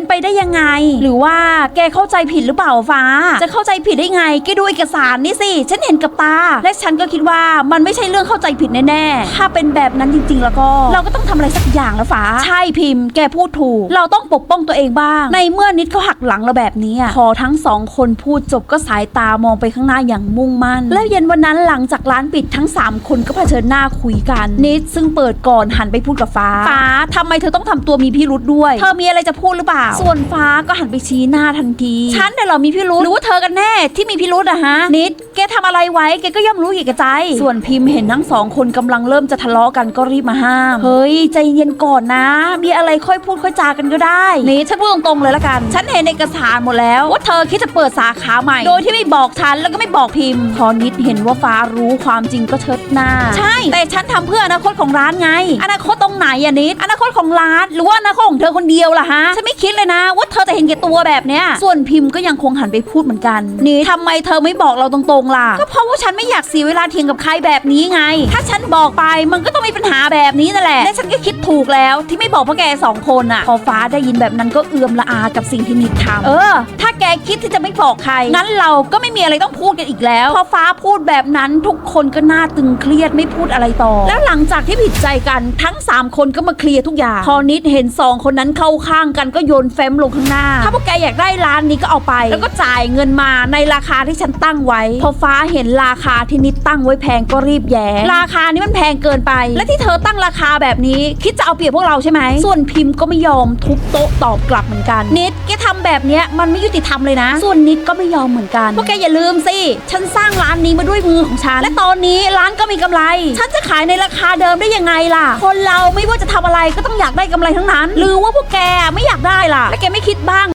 ไปได้ยังไงหรือว่าแกเข้าใจผิดหรือเปล่าฟ้าจะเข้าใจผิดได้ไงแกดูเอกสารนี่สิฉันเห็นกับตาและฉันก็คิดว่ามันไม่ใช่เรื่องเข้าใจผิดแน่ๆถ้าเป็นแบบนั้นจริงๆแล้วก็เราก็ต้องทำอะไรสักอย่างแล้วฟ้าใช่พิมพ์แกพูดถูกเราต้องปกป้องตัวเองบ้างในเมื่อนิดเขาหักหลังเราแบบนี้พอทั้งสองคนพูดจบก็สายตามองไปข้างหน้าอย่างมุ่งมั่นแล้วเย็นวันนั้นหลังจากร้านปิดทั้ง3คนก็เผชิญหน้าคุยกันนิดซึ่งเปิดก่อนหันไปพูดกับฟ้าทำไมเธอต้องทำตัวมีพิรุธด้วยเธอมีอะไรจะพูดหรือเปล่าส่วนฟ้าก็หันไปชี้หน้าทันทีฉันเนี่ยเหรอมีพิรุธหรือว่าเธอกันแน่ที่มีพิรุธอะฮะนิดแกทำอะไรไว้แกก็ย่อมรู้อยู่แก่ใจส่วนพิมพ์เห็นทั้งสองคนกำลังเริ่มจะทะเลาะกันก็รีบมาห้ามเฮ้ยใจเย็นก่อนนะมีอะไรค่อยพูดค่อยจากันก็ได้นี่ฉันพูดตรงๆเลยละกันฉันเห็นเอกสารหมดแล้วว่าเธอคิดจะเปิดสาขาใหม่โดยที่ไม่บอกฉันแล้วก็ไม่บอกพิมพ์พอนิดเห็นว่าฟ้ารู้ความจริงก็เชิดหน้าใช่แต่ฉันทำเพื่ออนาคตของร้านไงอนาคตตรงไหนอะนิดอนาคตของร้านหรือว่าอนาคตของเธอคนเดียวล่ะฮะฉันไม่คิดเลยนะว่าเธอจะเห็นแก่ตัวแบบเนี้ยส่วนพิมพ์ก็ยังคงหันไปพูดเหมือนกันนี่ทำไมเธอไม่บอกเราตรงๆล่ะก็เพราะว่าฉันไม่อยากเสียเวลาเถียงกับใครแบบนี้ไงถ้าฉันบอกไปมันก็ต้องมีปัญหาแบบนี้นั่นแหละและฉันก็คิดถูกแล้วที่ไม่บอกพวกแก2 คนอะพอฟ้าได้ยินแบบนั้นก็เอือมละอากับสิ่งที่นิดทำถ้าแกคิดที่จะไม่บอกใครงั้นเราก็ไม่มีอะไรต้องพูดกันอีกแล้วพอฟ้าพูดแบบนั้นทุกคนก็น่าตึงเครียดไม่พูดอะไรต่อแล้วหลังจากที่ผิดใจกันทั้ง3 คนก็มาเคลียร์ทุกอย่างพอนิดเห็น2 คนนั้นเข้าข้างกันก็โยนแฟ้มลงข้างหน้าถ้าพวกแกอยากได้ร้านนี้ก็เอาไปแล้วก็จ่ายเงินมาในราคาที่ฉันตั้งไว้พอฟ้าเห็นราคาที่นิดตั้งไว้แพงก็รีบแย้งราคานี้มันแพงเกินไปและที่เธอตั้งราคาแบบนี้คิดจะเอาเปรียบพวกเราใช่ไหมส่วนพิมพ์ก็ไม่ยอมทุบโต๊ะตอบกลับเหมือนกันนิดแกทำแบบนี้มันไม่ยุติธรรมเลยนะส่วนนิดก็ไม่ยอมเหมือนกันพวกแกอย่าลืมสิฉันสร้างร้านนี้มาด้วยมือของฉันและตอนนี้ร้านก็มีกำไรฉันจะขายในราคาเดิมได้ยังไงล่ะคนเราไม่ว่าจะทำอะไรก็ต้องอยากได้กำไรทั้งนั้นหรือว่าพวกแกไม่อยากได้ล่ะและแกไม่คิดบ้าง